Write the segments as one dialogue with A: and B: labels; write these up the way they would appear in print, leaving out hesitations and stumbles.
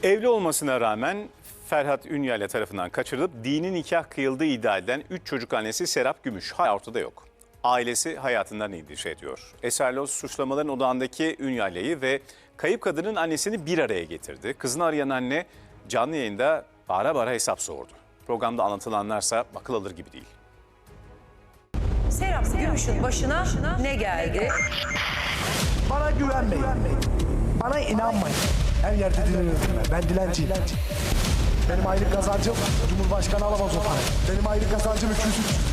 A: Evli olmasına rağmen Ferhat Ünyali tarafından kaçırılıp dini nikah kıyıldığı iddia edilen 3 çocuk annesi Serap Gümüş hala ortada yok. Ailesi hayatından endişe ediyor. Eserlos suçlamaların odağındaki Ünyali'yi ve kayıp kadının annesini bir araya getirdi. Kızını arayan anne canlı yayında bağıra bağıra hesap sordu. Programda anlatılanlarsa akıl alır gibi değil.
B: Serap Gümüş'ün başına ne geldi?
C: Bana güvenmeyin. Bana inanmayın. Her yerde dileniyorum ben. Ben dilenciyim. Benim aylık kazancım Cumhurbaşkanı alamaz o parayı. Benim aylık kazancım 200.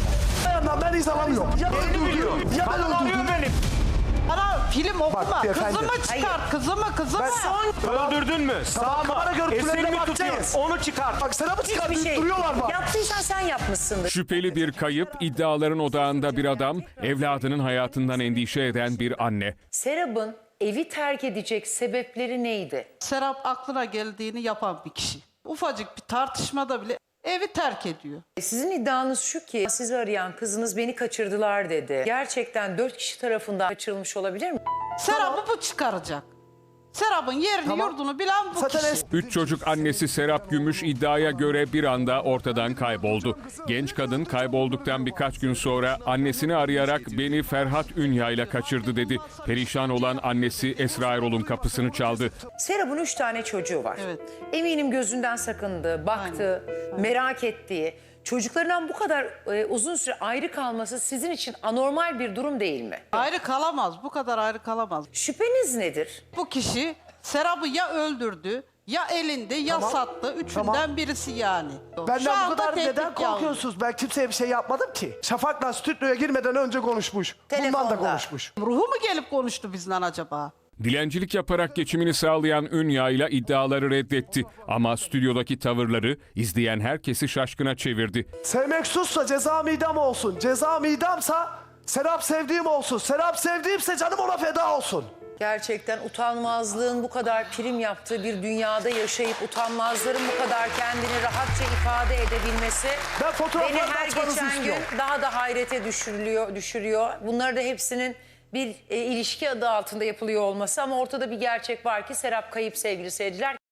C: Ben iz alamıyorum. Ya öldürdü. Ya ben öldürdüm.
D: Bana film okuma.
C: efendim.
D: Kızımı çıkart. Kızımı.
E: Öldürdün mü? Sağ mı? Esir mi tutuyor? Onu çıkart.
C: Bak Serap'ı çıkart.
B: Hiçbir şey.
C: Duruyorlar mı?
B: Yaptıysan sen yapmışsındır.
F: Şüpheli bir kayıp, iddiaların odağında bir adam, evladının hayatından endişe eden bir anne.
B: Serap'ın evi terk edecek sebepleri neydi?
D: Serap aklına geldiğini yapan bir kişi. Ufacık bir tartışmada bile evi terk ediyor.
B: Sizin iddianız şu ki sizi arayan kızınız beni kaçırdılar dedi. Gerçekten 4 kişi tarafından kaçırılmış olabilir mi?
D: Serap'ı bu çıkaracak. Serap'ın yerini yurdunu bilen bu
C: Zaten
D: kişi.
F: 3 çocuk annesi Serap Gümüş iddiaya göre bir anda ortadan kayboldu. Genç kadın kaybolduktan birkaç gün sonra annesini arayarak beni Ferhat Ünyali kaçırdı dedi. Perişan olan annesi Esra Erol'un kapısını çaldı.
B: Serap'ın 3 tane çocuğu var.
D: Evet.
B: Eminim gözünden sakındı, baktı, merak ettiği. Çocuklarından bu kadar uzun süre ayrı kalması sizin için anormal bir durum değil mi?
D: Ayrı kalamaz. Bu kadar ayrı kalamaz.
B: Şüpheniz nedir?
D: Bu kişi Serap'ı ya öldürdü, ya elinde, ya sattı. Üçünden birisi yani. Şu
C: Benden bu
D: anda
C: kadar
D: tehdit
C: neden
D: yalnız.
C: korkuyorsunuz? Ben kimseye bir şey yapmadım ki. Şafak'la stüdyoya girmeden önce konuşmuş. Bundan
B: Telefonda.
C: da konuşmuş.
D: Ruhu mu gelip konuştu bizden acaba?
F: Dilencilik yaparak geçimini sağlayan Ünyali iddiaları reddetti. Ama stüdyodaki tavırları izleyen herkesi şaşkına çevirdi.
C: Sevmek suçsa ceza midam olsun. Ceza midamsa Serap sevdiğim olsun. Serap sevdiğimse canım ona feda olsun.
B: Gerçekten utanmazlığın bu kadar prim yaptığı bir dünyada yaşayıp utanmazların bu kadar kendini rahatça ifade edebilmesi
C: Ben fotoğrafları
B: beni her
C: açmanızı
B: geçen gün
C: istiyorum.
B: daha da hayrete düşürüyor. Bunları da hepsinin bir ilişki adı altında yapılıyor olması ama ortada bir gerçek var ki Serap kayıp sevgili seyirciler.